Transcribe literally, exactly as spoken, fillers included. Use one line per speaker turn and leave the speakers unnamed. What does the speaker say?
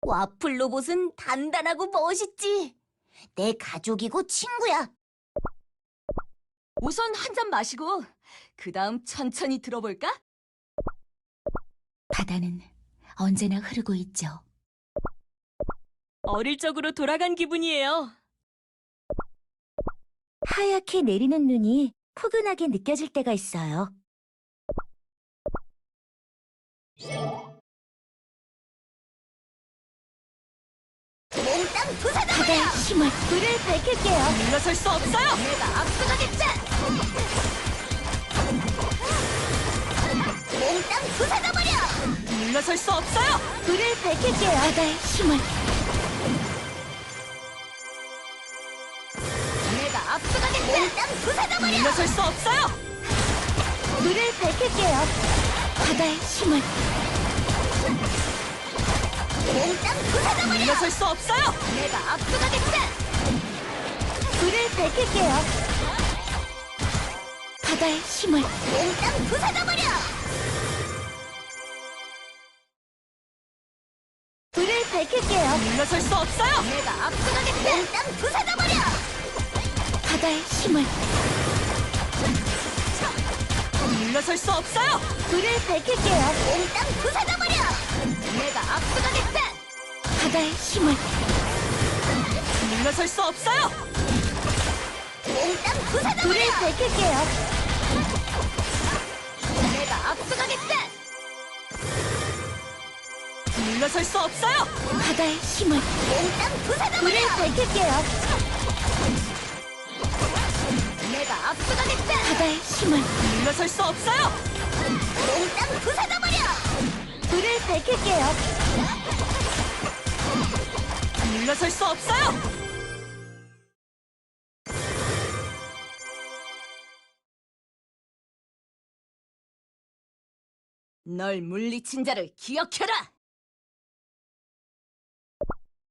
와플 로봇은 단단하고 멋있지. 내 가족이고 친구야.
우선 한 잔 마시고 그 다음 천천히 들어볼까?
바다는 언제나 흐르고 있죠.
어릴 적으로 돌아간 기분이에요.
하얗게 내리는 눈이 포근하게 느껴질 때가 있어요. 몽땅 부사다! 바다의 힘을 불을 밝힐게요.
물러설 수 없어요.
내가 앞서가겠다! 몽땅 부사다버려!
물러설 수 없어요.
불을 밝힐게요. 바다의 힘을 내가 앞서가겠다! 몽땅 부사다버려!
물러설 수 없어요.
불을 밝힐게요. 바다의 힘을 몽땅 부사다버려!
물러설 수 없어요.
내가 앞서가겠다! 불을 밝힐게요. 바다의 힘을 몽땅 부사다버려! 불을 밝힐게요.
물러설 수 없어요.
내가 앞서가겠다! 몽땅 부사다버려! 바다의 힘을
물러설 수 없어요.
불을 밝힐게요. 몽땅 부사다버려! 내가 앞서가겠다! 바다의 힘을
물러설 수 없어요.
몽땅 부사다버려! 불을 밝힐게요. 내가 앞서가겠다!
물러설 수 없어요.
바다의 힘을 몽땅 부사다버려! 불을 밝힐게요. 내가 앞서가겠다! 바다의 힘을
물러설 수 없어요.
몽땅 부사다버려! 불을 밝힐게요.
물러설 수 없어요. 널 물리친 자를 기억해라.